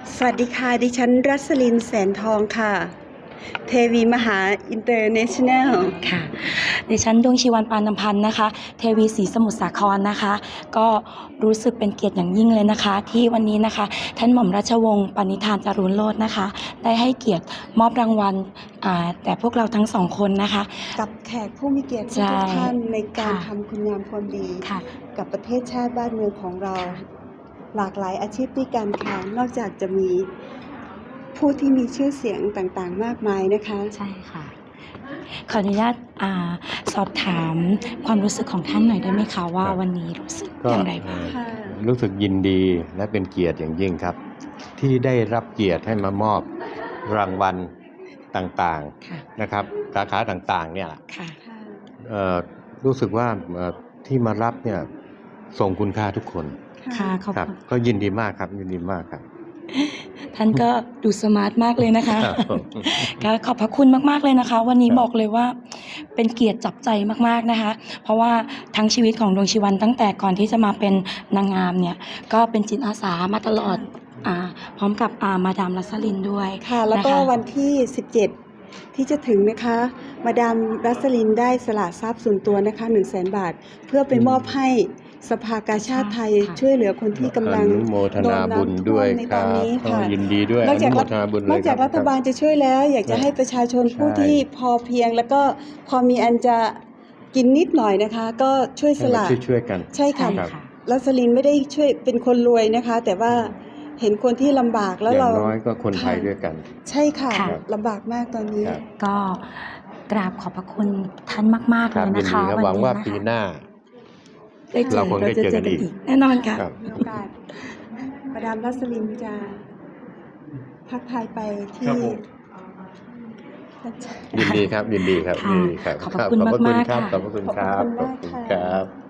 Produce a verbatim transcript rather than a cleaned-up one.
สวัสดีค่ะ ดิฉันรัสลินแสนทองค่ะ เทวีมหาอินเตอร์เนชั่นแนลค่ะดิฉันดวงชีวันปานนพันธ์นะคะ เทวีศรีสมุทรสาครนะคะ ก็รู้สึกเป็นเกียรติอย่างยิ่งเลยนะคะ ที่วันนี้นะคะท่านหม่อมราชวงศ์ปณิธานจารุณโรจน์นะคะ ได้ให้เกียรติมอบรางวัลแต่พวกเราทั้งสองคนนะคะกับแขกผู้มีเกียรติทุกท่านในการทำคุณงามความดีกับประเทศชาติบ้านเมืองของเราหลากหลายอาชีพด้วยกันค่ะนอกจากจะมีผู้ที่มีชื่อเสียงต่างๆมากมายนะคะใช่ค่ะขออนุญาตอสอบถามความรู้สึกของท่านหน่อยได้ไหมคะว่าวันนี้รู้สึกอย่างไรบ้างรู้สึกยินดีและเป็นเกียรติอย่างยิ่งครับที่ได้รับเกียรติให้มามอบรางวัลต่างๆนะครับสาขาต่างๆเนี่ยรู้สึกว่าที่มารับเนี่ยทรงคุณค่าทุกคนค่ะขอบคุณก็ยินดีมากครับยินดีมากครับท่านก็ดูสมาร์ทมากเลยนะคะก็ขอบพระคุณมากๆเลยนะคะวันนี้บอกเลยว่าเป็นเกียรติจับใจมากๆนะคะเพราะว่าทั้งชีวิตของดวงชีวันตั้งแต่ก่อนที่จะมาเป็นนางงามเนี่ยก็เป็นจิตอาสามาตลอดพร้อมกับมาดามรัสลินด้วยค่ะแล้วก็วันที่สิบเจ็ดที่จะถึงนะคะมาดามรัสลินได้สละทรัพย์ส่วนตัวนะคะหนึ่งแสนบาทเพื่อไปมอบให้สภากาชาติไทยช่วยเหลือคนที่กำลังโมทนาบุญด้วยในตอนนี้ค่ะยินดีด้วยนอกจากนอกจากรัฐบาลจะช่วยแล้วอยากจะให้ประชาชนผู้ที่พอเพียงแล้วก็พอมีอันจะกินนิดหน่อยนะคะก็ช่วยสละช่วยกันใช่ค่ะรัสลินไม่ได้ช่วยเป็นคนรวยนะคะแต่ว่าเห็นคนที่ลำบากแล้วเราอย่างน้อยก็คนไทยด้วยกันใช่ค่ะลำบากมากตอนนี้ก็กราบขอบพระคุณท่านมากๆเลยนะคะหวังว่าปีหน้าเราคงได้เจอกันอีกแน่นอนค่ะมีโอกาสมาดามรัสลินจะพักไทยไปที่ยินดีครับยินดีครับยินดีครับขอบคุณมากๆค่ะขอบคุณครับขอบคุณครับ